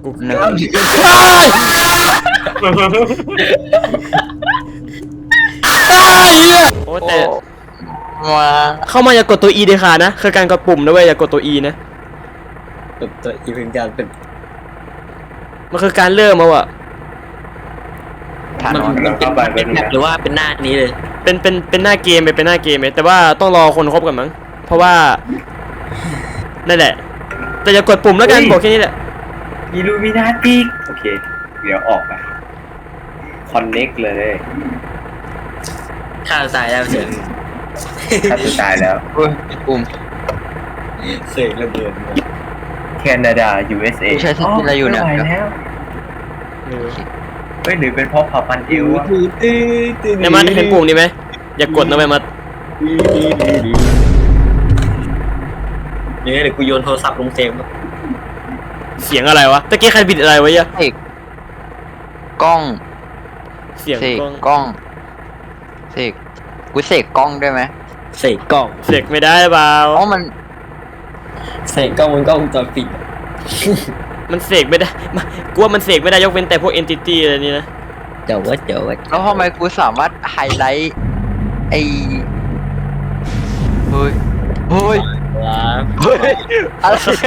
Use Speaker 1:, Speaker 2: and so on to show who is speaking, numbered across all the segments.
Speaker 1: กู
Speaker 2: หนึ่ง
Speaker 1: โอ้แต่
Speaker 2: มา
Speaker 1: เข้ามาอย่ากดตัว E เด็ดขาดนะคือการกดปุ่มนะเว้ยอย่ากดตัว E นะ
Speaker 3: ตัวอีเป็นการเป็น
Speaker 1: มันคือการเริ่มเอาอะ
Speaker 2: ทาน
Speaker 3: มัน
Speaker 2: อน
Speaker 3: เป็นแบบหรือว่าเป็นหน้านี้เลย
Speaker 1: เป็นหน้าเกมเป็นหน้าเกมแต่ว่าต้องรอคนครบกันมั้งเพราะว่านั่นแหละแต่อย่ากดปุ่มแล้วกันบอกแค่นี้แหละ
Speaker 4: อิลูมินาติกโอเค เดี๋ยวออกไปคอนเน็กเลย
Speaker 3: ข้าวตายแล้วเสียง
Speaker 4: ถ้าจะตายแล้ว
Speaker 2: เฮ้ยปุ่ม
Speaker 3: เสกระเบิด
Speaker 4: แคนาดา USA
Speaker 2: ใช้สกิลอะไรอยู่เนี่ย
Speaker 4: ไม่ไหวแล้วเฮ้ยหรือเป็นเพราะเผ่าพันธุ์เอววะ
Speaker 1: เนี่ยมันเห็นปุ่มนี้ไหมอย่ากดนะเว้ยมัน
Speaker 3: เนี่ยเดี๋ยวกูโยนโทรศัพท์ลงเซม
Speaker 1: เสียงอะไรวะตะกี้ใครบิดอะไรไว้อะ
Speaker 2: เสกกล้อง
Speaker 1: เสียง
Speaker 2: เสก
Speaker 1: กล้อง
Speaker 2: กล้องเสกกูเสกกล้องได้ไหม
Speaker 3: เสกกล้อง
Speaker 1: เสกไม่ได้เปล่า
Speaker 2: อ๋อมัน
Speaker 3: เสกกล้องมันกล้องวงจรปิด
Speaker 1: มันเสกไม่ได้กูว่ามันเสกไม่ได้ยกเว้นแต่พวก entity อะไรนี่นะ
Speaker 3: เดี๋ยวว่า
Speaker 2: แล้วทำไมกูสามารถไฮไลท์ไอเฮ้ยเฮ้ย
Speaker 3: ว้า
Speaker 2: เฮ้ยอะไรเนี่ย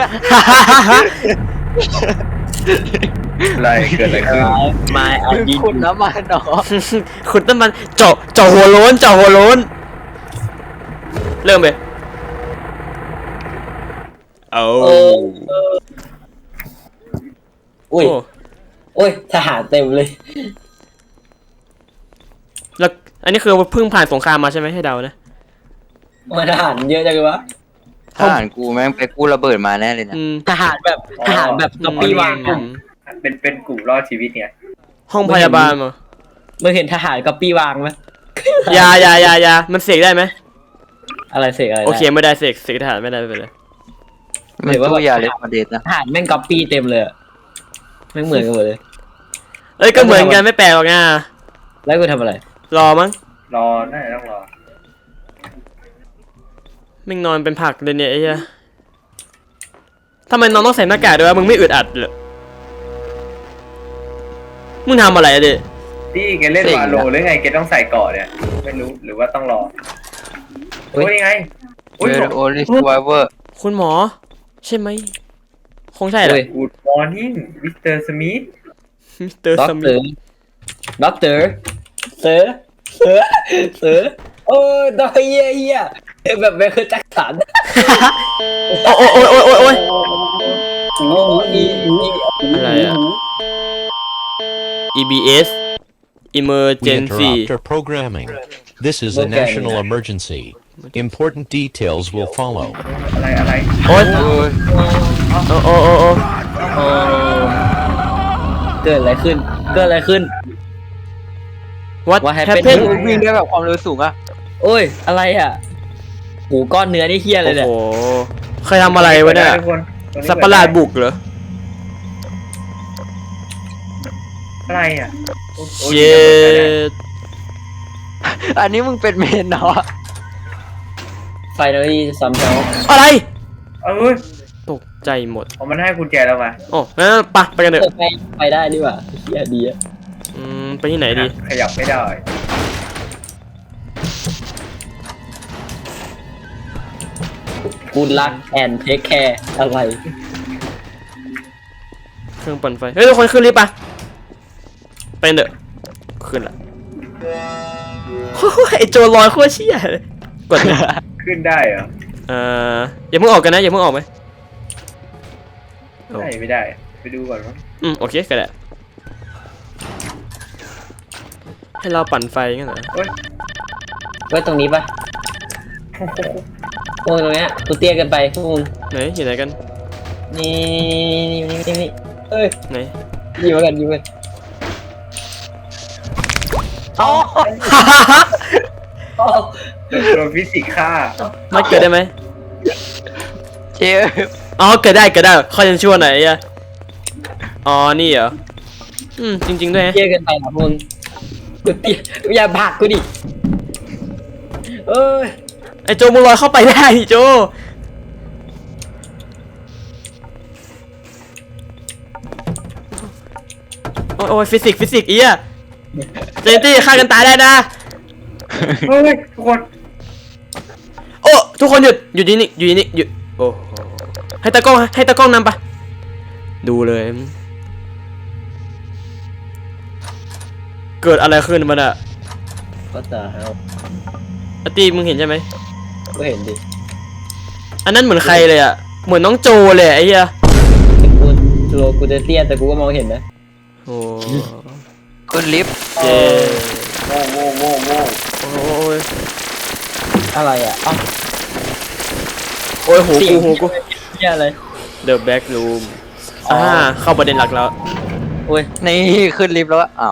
Speaker 4: อะไรเกิดอะไรขึ้น
Speaker 3: มาเอาดี
Speaker 2: คุณน้ำมันเนาะ
Speaker 1: ขุดน้ำมันเจาะหัวโล้นเจาะหัวโล้นเริ่มเลยเอา
Speaker 3: อุ้ย
Speaker 1: โอ้
Speaker 3: โอ้ยทหารเต็มเลย
Speaker 1: แล้วอันนี้คือเพิ่งผ่านสงครามมาใช่ไหมให้เดานะ
Speaker 3: มาทหารเยอะจังเลยวะ
Speaker 2: ทหารกูแม่งไปกู้ระเบิดมาแน่เลยนะ
Speaker 1: อืม
Speaker 3: ทหารแบบก๊อปปี้วางกลุ่ม
Speaker 4: เป็นกลุ่มรอดชีวิตเนี่ย
Speaker 1: ห้องพยาบาลมา
Speaker 3: มึงเห็นทหารก๊อปปี้วางไหม
Speaker 1: ยามันเสกได้ไหม
Speaker 3: อะไรเสกอะไร
Speaker 1: โอเคไม่ได้เสกทหารไม่ได้ไม่เป็นไร
Speaker 2: มันตู้ยาเลสมาเดตนะ
Speaker 3: ทหารแม่งก๊อปปี้เต็มเลยแม่งเหมือนกันหมดเลย
Speaker 1: เอ้ยก็เหมือนกันไม่แปลกหรอกนะ
Speaker 3: แล้วกูทำอะไร
Speaker 1: รอมั้ง
Speaker 4: รอน่าจะต้องรอ
Speaker 1: ไม่งนอนเป็นผักเลยเนี่ยไอ้เหี้ยทำไมน้องต้องใส่หน้ากากด้วยวะมึงไม่อึดอัดเหรอมึงทำอะไรอะดิ
Speaker 4: ที่แกเล่นวาโลหรือไงแกต้องใส่เกาะเนี่ยไม่รู้หรือว่าต้องรอโอ้ยยังไง
Speaker 2: เวอร์โอลิสไวเวอร์
Speaker 1: คุณหมอ ใช่ไหมคงใช่แหละ
Speaker 4: กูดมอร์นิ่งมิสเตอร์สมิธ
Speaker 1: มิสเตอร์
Speaker 3: ด็อก
Speaker 1: ส
Speaker 3: เต
Speaker 1: มิ
Speaker 3: อ
Speaker 1: ธ
Speaker 3: ร์ด็อกเตอร์เสือโอ้ยดอกเฮียแบบไมเคิลแจ็คสัน
Speaker 1: โอ้ย
Speaker 3: โอ้ย
Speaker 1: อะไรอะ EBS
Speaker 5: We
Speaker 1: Emergency
Speaker 5: interrupt our programming. This is a national emergency. Important details will follow.
Speaker 4: อะไร
Speaker 1: โอ้ย
Speaker 2: โอ้ย
Speaker 1: โอ้
Speaker 3: โอ้เกิดอะไรขึ้น
Speaker 1: What
Speaker 3: What happened?
Speaker 1: happened
Speaker 2: วิ่งได้แบบความเร็วสูงอะ
Speaker 3: โอ้ยอะไรอ่ะหูก้อนเนื้อนี่เฮียเลย
Speaker 1: โอ้
Speaker 3: เนี่ย
Speaker 1: โหเคยทำอะไรวะเนี่ย
Speaker 4: ทุกคนตอนนี้
Speaker 1: สัตว์ประหลาดบุกเหรอ
Speaker 4: อะไรอ่ะโอ้ย
Speaker 1: เย็ด
Speaker 2: อันนี้มึงเป็นเมนเนาะ
Speaker 3: ไฟนอลลี่ซัมเฮล
Speaker 1: อะไร
Speaker 4: เอ้ย
Speaker 1: ตกใจหมด
Speaker 4: ผมมันให้กุญแจเรามา
Speaker 1: โอ้งั้นไปกันเถอะ
Speaker 3: ไปได้ดีกว่าเฮียดีอะ
Speaker 1: ไปที่ไหนดี
Speaker 4: ขยับไม่ได้
Speaker 3: กูรักแอนเทคแคร์อะไร
Speaker 1: เครื่องปั่นไฟ เฮ้ยทุกคนขึ้นลิฟต์ปะไปเถอะขึ้นละโอ้ยไอโจรลอยโคตรเชี่ยเลยกดเลย
Speaker 4: ขึ้นได้เหรอ
Speaker 1: อย่าเพิ่งออกกันนะอย่าเพิ่งออกไหม โอ้
Speaker 4: ได้ไม่ได้ ไปดูก่อนมั้ง
Speaker 1: โอเคก็ได้ให้เราปั่นไฟงั้นเหรอ
Speaker 4: เฮ้ย
Speaker 3: ไว้ตรงนี้ปะพวกตรงเนี้ยกูเตี้ยเกันไปพวกมึง
Speaker 1: ไหนอยู่ไหนกัน
Speaker 3: นี่เอ้ย
Speaker 1: ไหน
Speaker 3: ยิงมากันยิงมากัน
Speaker 2: อ๋อ
Speaker 3: อ๋อ
Speaker 4: โดนฟิสิกส์ฆ่า
Speaker 1: ไม่เกิดได้ไหม
Speaker 2: เจ๊
Speaker 1: อ๋อเกิดได้ข้อยังชั่วไหนอะอ๋อนี่เหรอจริงๆด้วยฮะ
Speaker 3: เตี้ยเกันไปนะพวกมึงกูเตี้ยอย่าผลักกูดิเอ้ย
Speaker 1: ไอโจมึงลอยเข้าไปได้ดิโจโอ้ยฟิสิกส์อีอะเจนตี้ฆ่ากันตายได้นะ
Speaker 4: เฮ้ยทุกคน
Speaker 1: โอ้ทุกคนหยุดนี่หยุดโอ้โหให้ตากล้องนำปะดูเลย เกิดอะไรขึ้นมันอะ
Speaker 3: ก็จะเอา
Speaker 1: อาร์ตี้มึงเห็นใช่ไหม
Speaker 3: ก็เห็นดิ
Speaker 1: อันนั้นเหมือนใครเลยอะเหมือนน้องโจเลยไอ้เหี้ย
Speaker 3: กูจะเตี้ยแต่กูก็มองเห็นนะ
Speaker 1: โอ้
Speaker 2: ขึ้นลิฟต์
Speaker 1: เจ
Speaker 4: โว้
Speaker 1: โอ้ย
Speaker 3: อะไรอ่ะเอ้า
Speaker 1: โอ้ยหูกู
Speaker 3: เหี้ยอะไร
Speaker 1: The back room เข้าประเด็นหลักแล้ว
Speaker 3: โอ้ย
Speaker 2: นี่ขึ้นลิฟต์แล้วอะอ้าว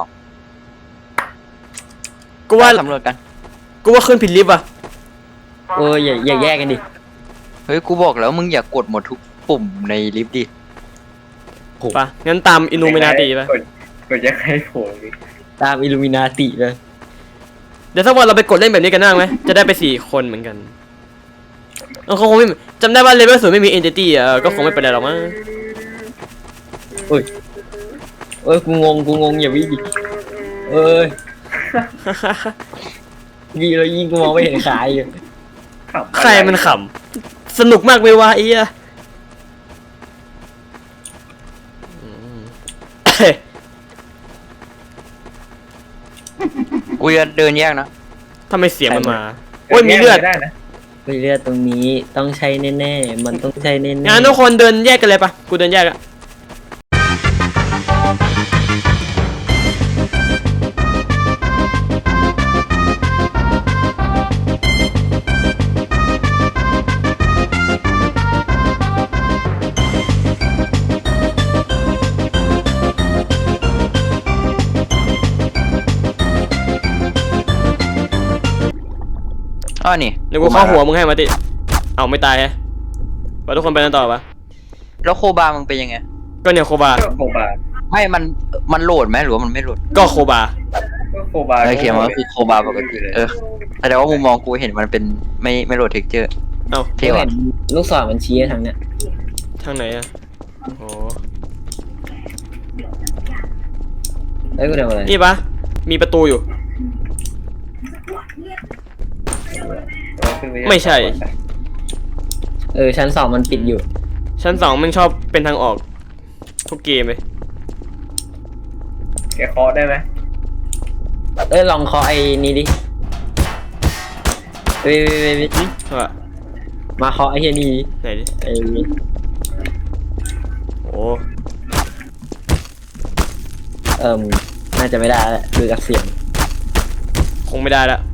Speaker 1: กูว่า
Speaker 2: สำรวจกัน
Speaker 1: ขึ้นผิดลิฟต์อะ
Speaker 3: โอ้ยอย่าแยกกันดิ
Speaker 2: เฮ้ยกูบอกแล้วมึงอย่ากดหมดทุกปุ่มในลิฟต์ดิ
Speaker 1: ปะงั้นตามอินูเมนาติปะ
Speaker 4: กดยังไงโผล่ดิ
Speaker 3: ตามอิลูมินาติเลย
Speaker 1: เดี๋ยวสักวันเราไปกดเล่นแบบนี้กันได้ไหมจะได้ไป4 คนเหมือนกันเขาคงไม่จำได้ว่าเลเวล0ไม่มีเอนติตี้อ่ะก็คงไม่เป็นไรหรอกมั้ง
Speaker 3: โอ้ยกูงงอย่าวิ่งดิเอ้ยยิงแล้วยิงกูมองไม่เห็นขาอยู่
Speaker 4: ขำ
Speaker 1: ใครมันขำสนุกมากเลยวะไอ้เหี้ย
Speaker 2: กูจะเดินแยกนะ
Speaker 1: ทำไมเสียงมันมาโอ้ยมีเลือด
Speaker 4: ได้นะ
Speaker 3: มีเลือดตรงนี้ต้องใช้แน่ๆมันต้องใช้แน่ๆ
Speaker 1: งั้นทุกคนเดินแยกกันเลยปะกูเดินแยกอะ
Speaker 2: อ้อนี่
Speaker 1: เดี๋ยวกูเข้าหัวมึงให้มาติเอาไม่ตายฮะว่าทุกคนไปกันต่อปะ
Speaker 2: แล้วโคบามึงเป็นยังไง
Speaker 1: ก็เนี่ยโคบา
Speaker 4: โคบา
Speaker 2: ไม่มันโหลดไหมหรือว่ามันไม่โหลด
Speaker 1: ก็โคบา
Speaker 4: โคบา
Speaker 2: ไอเขียนว่าคือโคบาปกติแต่ว่ามุมมองกูเห็นมันเป็นไม่โหลดเท็กเจอร์
Speaker 1: เอ้า
Speaker 2: เท่
Speaker 3: เห็
Speaker 2: ว่ะ
Speaker 3: นลูกศรมันชี้ทางเนี้ย
Speaker 1: ทางไหนอะโอ้
Speaker 3: เอ้ยกูทำอะไร
Speaker 1: นี่ปะมีประตูอยู่ ไม่ใช่
Speaker 3: ชั้น 2มันปิดอยู่
Speaker 1: ชั้น 2มันชอบเป็นทางออกทุกเกมเลย
Speaker 4: แกเคาะได้ไหม
Speaker 3: ลองเคาะไอ้นี่ดิเว้ย
Speaker 1: ว่า
Speaker 3: มาเคาะไอ้เฮียนี่ดิ
Speaker 1: ไหนดิ
Speaker 3: ไอ้นี่
Speaker 1: โอ้
Speaker 3: น่าจะไม่ได้แล้วดูจากเสียง
Speaker 1: คงไม่ได้ละ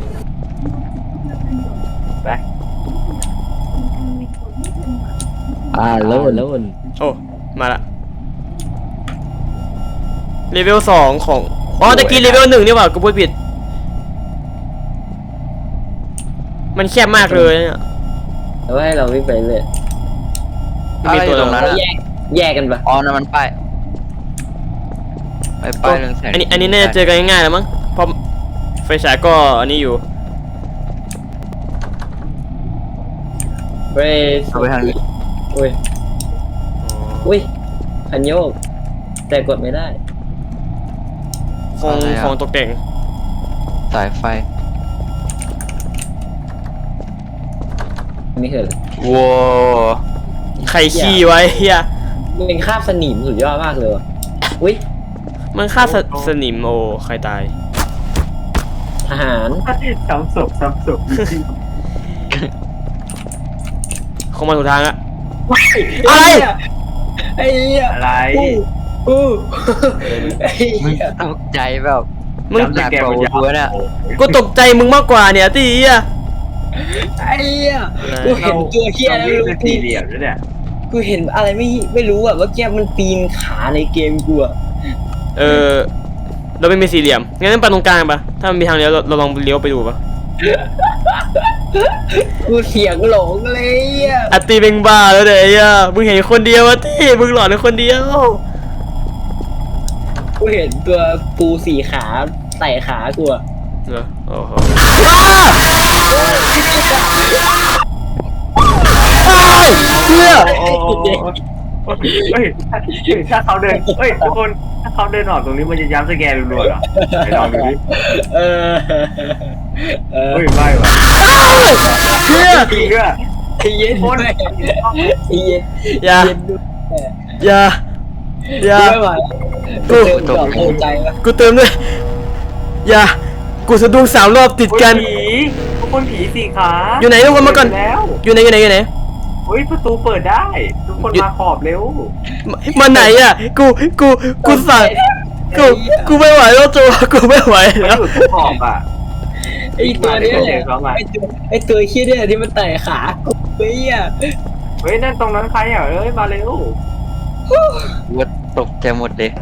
Speaker 3: ไปโล่น
Speaker 1: โอ้มาละเลเวล2ของอ๋อตะกี้เลเวล1นี่หว่ากูพูดผิดมันแคบมากเลยเนี่ย
Speaker 3: แล้วให้เราวิ่งไปเลย
Speaker 2: อะไรอยู่ตรงนั้น
Speaker 3: เรา
Speaker 2: อะ
Speaker 3: แยกกันปะ
Speaker 2: อ๋อนั่นมันป้ายป้ายเรื่องแสง
Speaker 1: อันนี้น่าจะเจอกันง่ายๆแล้วมั้งเพราะไฟฉายก็อันนี้อยู่
Speaker 3: เว้ย
Speaker 2: เอาไปทางนี้
Speaker 3: อุ้ยคันโยกแต่กดไม่ได้
Speaker 1: ของตกแต่ง
Speaker 2: สายไฟ
Speaker 3: ไม่เคยเลย
Speaker 2: ว้าว
Speaker 1: ใครขี้ไว้เฮีย
Speaker 3: มันเป็นคราบสนิมสุดยอดมากเลยว่ะอุ้ย
Speaker 1: มันฆ่าสนิมโอ้ใครตาย
Speaker 3: ทหาร
Speaker 4: ซ้ำศพ
Speaker 1: คงมาถูกทางอะอะไร
Speaker 3: ไอ้เหี้ย
Speaker 4: อะไร
Speaker 3: ไอ้
Speaker 2: มึง
Speaker 3: เหี้ย
Speaker 2: ตกใจแบบ
Speaker 1: มึง
Speaker 2: หนักกว่ากูเนี่ย
Speaker 1: กูตกใจมึงมากกว่าเนี่ยตีอะ
Speaker 3: ไอ้เหี้ยกูเห็นตัวเหี้ยแล้ว
Speaker 4: นี่คือสี่เหลี่ยมด้วยเนี่ย
Speaker 3: กูเห็นอะไรไม่รู้อ่ะเมื่อกี้มันปีนขาในเกมกูอ่ะ
Speaker 1: เราไม่มีสี่เหลี่ยมงั้นไปตรงกลางปะถ้ามันมีทางเลี้ยวเราลองเลี้ยวไปดูปะ
Speaker 3: กูเสียงหลงเลยอ่ะ
Speaker 1: อะตีเป็นบ้าแล้วเดี๋ยวไอ้เหี้ยมึงเห็นคนเดียวอะตีมึงหลอนในคนเดียว
Speaker 3: กูเห็นตัวปูสี่ขาไต่ขากูอ่ะ
Speaker 1: เหรอโอ้โหเฮีย
Speaker 4: เฮ้ยถ้าเขาเดินเฮ้ยทุกคนถ้าเขาเดินออกตรงนี้มันจะย้ำสแกนรัวๆเหรอไปลองดูดิ
Speaker 3: เออ
Speaker 4: เฮ้ยไม่ว่ะ
Speaker 1: เฮีย
Speaker 4: จริงด้วย
Speaker 3: ไอ้เย็น
Speaker 4: คน
Speaker 3: ด้วยไอ้เย็น
Speaker 1: อย่า
Speaker 3: เย็นด้วย
Speaker 1: อย่าอย่า
Speaker 3: ไม่ไหวกูเติมดอกโอใจวะ
Speaker 1: กูเติมด้วยอย่ากูสะดุ้ง3 รอบติดกัน
Speaker 4: ผีทุกคนผีสี่ขา
Speaker 1: อยู่ไหนทุกคนมาก่อน
Speaker 4: แล้ว
Speaker 1: อยู่ไหนอยู่ไหน
Speaker 4: เฮ้ยประตูเปิดได้ ทุกคนมาขอบเร็ว
Speaker 1: มาไหนอ่ะกูสั่งกูไม่ไหวแล้วจูกูไม่ไหว
Speaker 4: มัน
Speaker 1: แล้ว
Speaker 4: อยู่ตรงขอบอ่ะ
Speaker 3: ไอ้ตัวเนี้ย
Speaker 4: เดี๋ยวเขามา
Speaker 3: ไอ้ตัวเคี้ยเนี่ยที่มันไต่ขากูเฮ้ยอ่ะ
Speaker 4: เฮ้ยนั่นตรงนั้นใครอ่ะเอ้ยมาเร็ว
Speaker 2: ว่าตกใจหมดเลย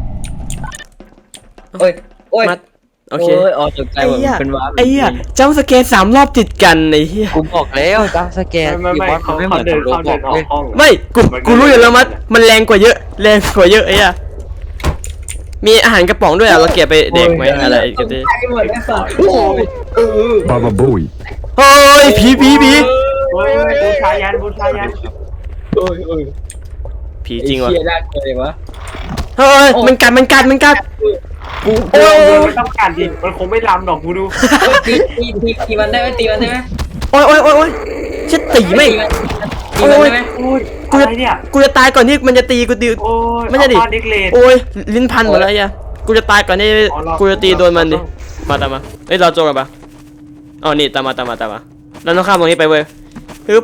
Speaker 3: โอ้ยโอ้ย
Speaker 1: มัดโอเค
Speaker 3: โอ้ยอ๋อตกใจ
Speaker 1: ไอ้
Speaker 3: หมด
Speaker 1: เหี้ย
Speaker 3: เป็นว้า
Speaker 1: ไอ้เหี้ยจำสแกน3 รอบติดกันไอ้เหี้ย
Speaker 2: กูบอกแล้วจำสแกน
Speaker 4: ไม่
Speaker 2: เขาไม่เหมือน
Speaker 4: เดิ
Speaker 2: กับ
Speaker 4: น
Speaker 2: โร
Speaker 4: เขา
Speaker 2: บ
Speaker 4: เดิ
Speaker 2: อน ก
Speaker 4: ออ
Speaker 2: เล
Speaker 4: ก
Speaker 2: ย
Speaker 4: ห้อง
Speaker 1: ไม่กูรู้อยู่แล้วมันแรงกว่าเยอะไอ้เหี้ยมีอาหารกระป๋องด้วยอ่ะเราเก็บไปเด็กไหมอะไรกันดิ
Speaker 3: ไอ้หมดไอ้สัตว์โอ้ยเออ
Speaker 5: Baba Booey.
Speaker 1: เฮ้ยผี
Speaker 4: เฮ้ยบูชายันบูชายัน
Speaker 3: โอ้ยโอ้ย
Speaker 1: ผีจริงวะ
Speaker 3: ไอ้เคี้ยน่ากลัวเลยวะ
Speaker 1: เฮ้ยมันกัด
Speaker 4: กูไม่ต้องการดิมันคงไม่ลำหรอกกูดู
Speaker 3: ตีมันได้ไหมตีมันได้ไหม
Speaker 1: โอ้ยฉันตีไม่
Speaker 3: ตีมันได้ไหม
Speaker 4: โอ้ยอะไรเนี่ย
Speaker 1: กูจะตายก่อนที่มันจะตีกูตี
Speaker 4: โอ้ย
Speaker 1: ไม่ใช่ดิ
Speaker 4: เอาปาดิกเลด
Speaker 1: โอ้ยลิ้นพันหมดแล้วไอ้เหี้ยกูจะตายก่อนที่กูจะตีโดนมันดิมาตามมาเฮ้ยเราโจกันปะอ๋อนี่ตามมาเราต้องข้ามตรงนี้ไปเว้ยฮึบ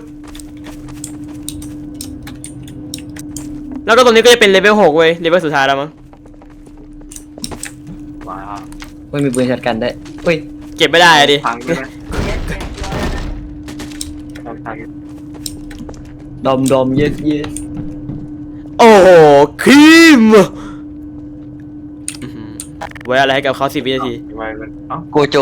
Speaker 1: แล้วก็ตรงนี้ก็จะเป็นเลเวล6เว้ยเลเวลสุดท้ายแล้วมั้ง
Speaker 4: ว้าว
Speaker 3: ไม่มีปืนช็อตกันได้เฮ้ย
Speaker 1: เก็บไม่ได้อะดิ
Speaker 4: พังใช่ไหมพัง
Speaker 3: ดมเยส
Speaker 1: โอ้โหครีมไว้อะไรให้กับเขา10 วินาที
Speaker 4: ทำไมมันเอ้า
Speaker 2: โกโจ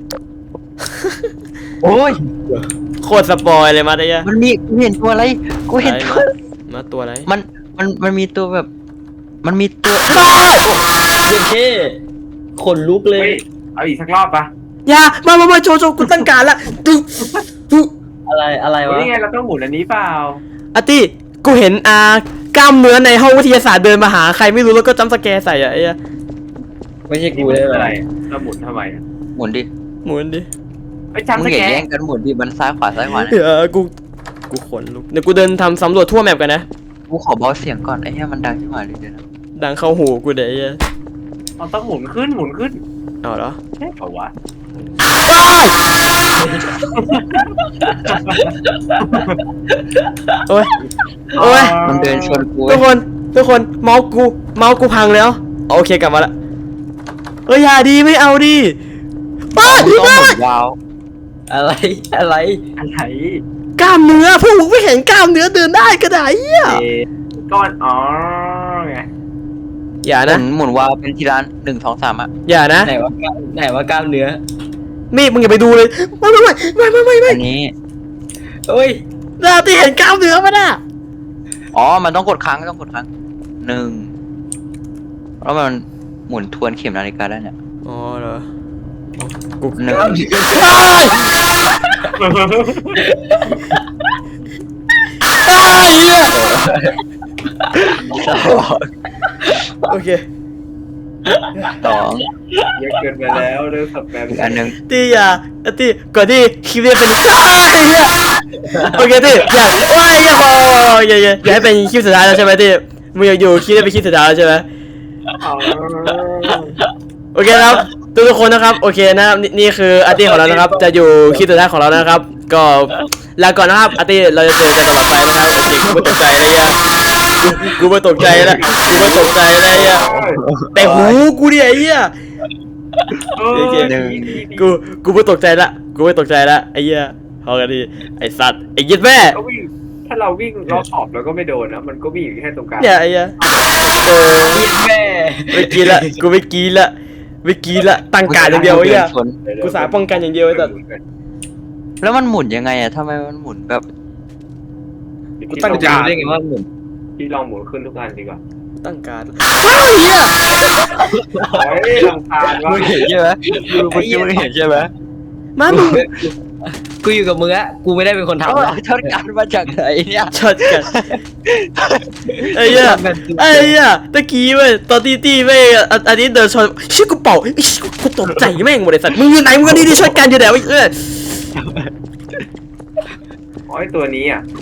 Speaker 2: โอ้ย
Speaker 1: โคตรสปอยเลยมาได้ยะ
Speaker 2: มันมีกูเห็นตัวอะไรกูเห็นตัว
Speaker 1: มาตัวอะไร
Speaker 2: มันมีตัวแบบ มันมีตัว
Speaker 3: เย็นเท่ขนลุกเล
Speaker 4: เฮ้
Speaker 3: ย
Speaker 4: ยเอาอีกสักรอบปะ
Speaker 1: อย่ามาโจกูตั้งการละดู
Speaker 3: อะไรวะ
Speaker 4: นี่ไงเราต้องหมุนอันนี้เปล่า
Speaker 1: อาร์ตี้กูเห็นกล้ามเนื้อในห้องวิทยาศาสตร์เดินมาหาใครไม่รู้แล้วก็จำสแกร์ใส่อะไอ้เหี้ย
Speaker 3: ไม่ใช่กู
Speaker 4: นี่มัน
Speaker 3: เลย
Speaker 4: คือ
Speaker 3: อะ
Speaker 4: อะไร ไรเราหมุนทำไมอะ
Speaker 2: หมุนดิ
Speaker 1: หมุนดิ
Speaker 4: ไอ้
Speaker 2: มึ
Speaker 4: จำ
Speaker 2: ง
Speaker 4: ส
Speaker 2: อย่า
Speaker 4: แก
Speaker 2: แย่
Speaker 4: น
Speaker 2: งกันหมุนดิมันซ้ายขวาซ้ายขวานะ
Speaker 1: เดี๋ยวกูขนลุกเดี๋ยวกูเดินทำสำรวจทั่วแมปกันนะ
Speaker 2: กูขอเบาเสียงก่อนไอ้เหี้ยมันดังขึ้นมาเลยเดี๋ยวนะ
Speaker 1: ดังเข้าหูกูเดี๋ยวไอ้เหี้ย
Speaker 4: เราต้องหมุนขึ้นหมุนขึ้น
Speaker 1: เอาเหรอ
Speaker 4: ใช่เปล่าวะ
Speaker 1: โอ้ย
Speaker 2: มันเดินชนกู
Speaker 1: ทุกคนเมาส์กูพังแล้วโอเคกลับมาละอย่าดีไม่เอาดิป้า
Speaker 2: ต้องหมุนวาว
Speaker 3: อะไร
Speaker 4: อะไร
Speaker 1: กล้ามเนื้อพวกมึงไม่เห็นกล้ามเนื้อเดินได้ก็ได้เหี้ย
Speaker 4: ก้อนอ๋อไง
Speaker 1: อย่านะ
Speaker 2: หมุนวาวเป็นทีละ1 2 3อ่ะ
Speaker 1: อย่านะ
Speaker 3: ไหนว่ากล้ามเนื้อ
Speaker 1: มีมึงอย่าไปดูเลยไม่
Speaker 2: อันนี้
Speaker 3: เฮ้ย
Speaker 1: เราที่เห็นกล้ามเนื้อมันอ่ะ
Speaker 2: อ๋อมันต้องกดค้าง1แล้วมันหมุนทวนเข็มนาฬิกาได้เนี่ย
Speaker 1: อ๋อเหรอ
Speaker 2: 1
Speaker 1: เหี้ย โอเค
Speaker 2: 2
Speaker 4: เยอะเกินไปแล้วเรื่องสับแปม
Speaker 2: อีกอันหนึง
Speaker 1: ตีอย่าตีก่อนที่คลิปนี้เป็นเหี้ยโอเคตีอย่าให้เป็นคลิปสุดท้ายแล้วใช่ไหมตีมึงอยากอยู่คลิปนี้เป็นคลิปสุดท้ายแล้วใช่ไหม โอเคครับทุกคนนะครับโอเคนะครับนี่คืออาร์ตี้ของเรานะครับจะอยู่คลิปสุดท้ายของเรานะครับ ก็ลาก่อนนะครับอาร์ตี้เราจะเจอกันตลอดไปนะครับโอเคกูไม่ตกใจนะเหี้ยกูไม่ตกใจแล้วนะเหี้ยแต่หูกูดิไอ้เหี้ยกูไม่ตกใจละไอ้เหี้ยพอกันดีไอ้สัตว์ไอ้ยิดแม่
Speaker 4: ก็วิ่งถ้าเราวิ่งรอบขอบแล้วก็ไม่โดนนะมันก็วิ่งอยู่แค่ตรงกลาง
Speaker 1: เนี่ยไอ้เหี้ย
Speaker 3: ยินแม่
Speaker 1: ไม่กินละตั้งการอย่างเดียวไอ้เหี้ยกูสาป้องกันอย่างเดียวไอ้สัตว์
Speaker 2: แล้วมันหมุนยังไงอะทำไมมันหมุนแบบ
Speaker 1: กูตั้ง
Speaker 3: จะ
Speaker 1: การ
Speaker 3: รู้ได้ไงว่าหมุน
Speaker 4: ที่ลองหมุนขึ้นทุกอันดีกว่า
Speaker 1: ตั้งการว้าวเหี้ย
Speaker 4: เฮ้ยลำคาญ
Speaker 2: มึ
Speaker 4: ว่ะ
Speaker 2: งเห็นใช่ไหมมึงเห็นใช่ไหม
Speaker 1: มามึง
Speaker 3: กูอยู่กับมึงอะกูไม่ได้เป็นคนทำ
Speaker 2: เอา
Speaker 3: นะ
Speaker 2: ช็อตกันมาจากไหนเนี่ย
Speaker 1: ช็อตกันไอ้เหี้ยไอ้เหี้ยตะกี้เว้ยตอนตีแม่งอันนี้เดินชนเชี่ยกูเป่าไอ้เชี่ยกูตกใจแม่งหมดเลยสัตว์มึงอยู่ไหนมึงก็นี่ช็อตกันอยู่ไหนวะ
Speaker 4: อ๋อไอตัวนี้อ่ะ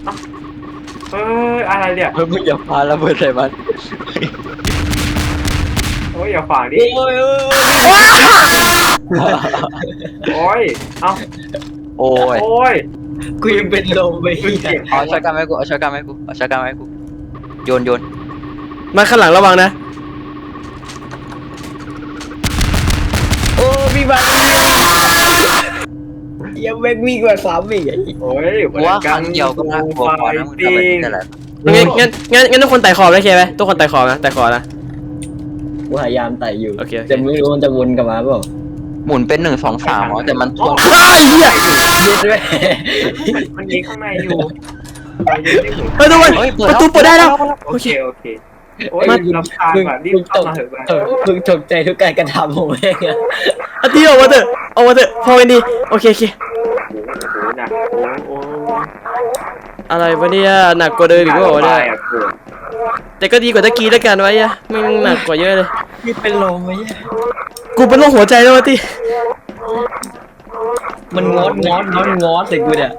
Speaker 4: อะไรเนี่ย
Speaker 2: เฮ้ยมึงอย่าพาระเบิดใส่มัน
Speaker 4: โอ้ยอย่าฝางดิ
Speaker 3: โอ้ย
Speaker 4: โอ้ยเอ้า
Speaker 2: โอ้ย
Speaker 4: โอ้ย
Speaker 3: กูยังเป็นลมไป
Speaker 2: เอาช็อตกันไหมกูเอาช็อตกันไหมกูเอาช็อตกันไหมกูโยน
Speaker 1: มาข้างหลังระวังนะ
Speaker 3: โอ้พี่บันยังแม่งวิ่งกว่า3 อีก
Speaker 4: โอ้ย
Speaker 2: กูว่าครั้งเดียวก็น่ากลัวพอนะมึงทำแบบนี้แต่ละ
Speaker 1: งั้นทุกคนไต่ขอบได้เคไหมทุกคนไต่ขอบนะไต่ขอบนะ
Speaker 3: กูพยายามไต่อยู่
Speaker 1: โอเค
Speaker 3: แต่ไม่รู้มันจะวนกลับมาเปล่า
Speaker 2: หมุนเป็น1 2 3อ๋อแต่มันทวง
Speaker 1: ไอ้เหี้ย
Speaker 3: เย็ดด้วย
Speaker 4: มันยิงข้างในอยู่
Speaker 1: เฮ้ยทุกคนประตูเปิดได้แล้ว
Speaker 4: โอเคโอ้ยลำคาญว่ะรีบเข้ามาเถอะ
Speaker 3: มึงตกใจทุกการกระทำของแม่งอะ
Speaker 1: อาทิตย์ออกมาเถอะพอกันดีโอเค
Speaker 4: โอ้หนักโอ้
Speaker 1: อะไรวะเนี่ยหนักกว่าเดิมอีกว่าเนี่ยแต่ก็ดีกว่าตะกี้แล้วกันไว้อะไม่หนักกว่าเยอะเลย
Speaker 3: นี่เป็นลมไหมเนี่ย
Speaker 1: กูเป็นโรคหัวใจแล้ววะที่
Speaker 3: มันงอดใส่กูเนี่ย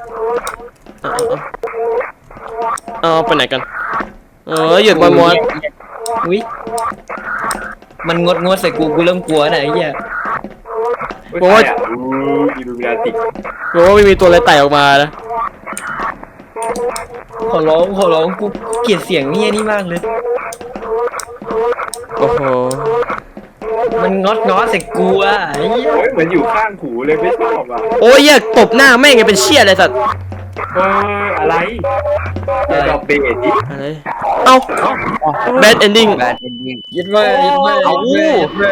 Speaker 1: เอาไปไหนกันหยุดมอน
Speaker 3: อุ้ยมันงดใส่กูเริ่มกลัวนะไอ้เหี้ย
Speaker 4: บอกว่าอิลูมินาติ
Speaker 1: บอกว่าไม่มีตัวอะไรไต่ออกมานะ
Speaker 3: ขอร้องกูเกลียดเสียงเหี้ยนี่มากเลย
Speaker 1: โอ้โห
Speaker 3: มันงอดใส่กูอ่ะไอ้เหี้ย
Speaker 4: โอ้ยเหมือนอยู่ข้างหูเลยไม่ชอบอ่ะ
Speaker 1: โอ้ยอยากตบหน้าแม่งไงเป็นเชี่ยอะไรสัตว์
Speaker 4: อะไรดอกเบสดิ
Speaker 1: อะไรเอ้า bad ending
Speaker 2: แบดเอนดิ้ง
Speaker 3: ยึดไว้
Speaker 2: เอา
Speaker 3: ยึดไว้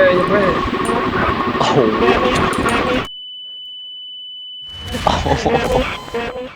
Speaker 2: โอ้โห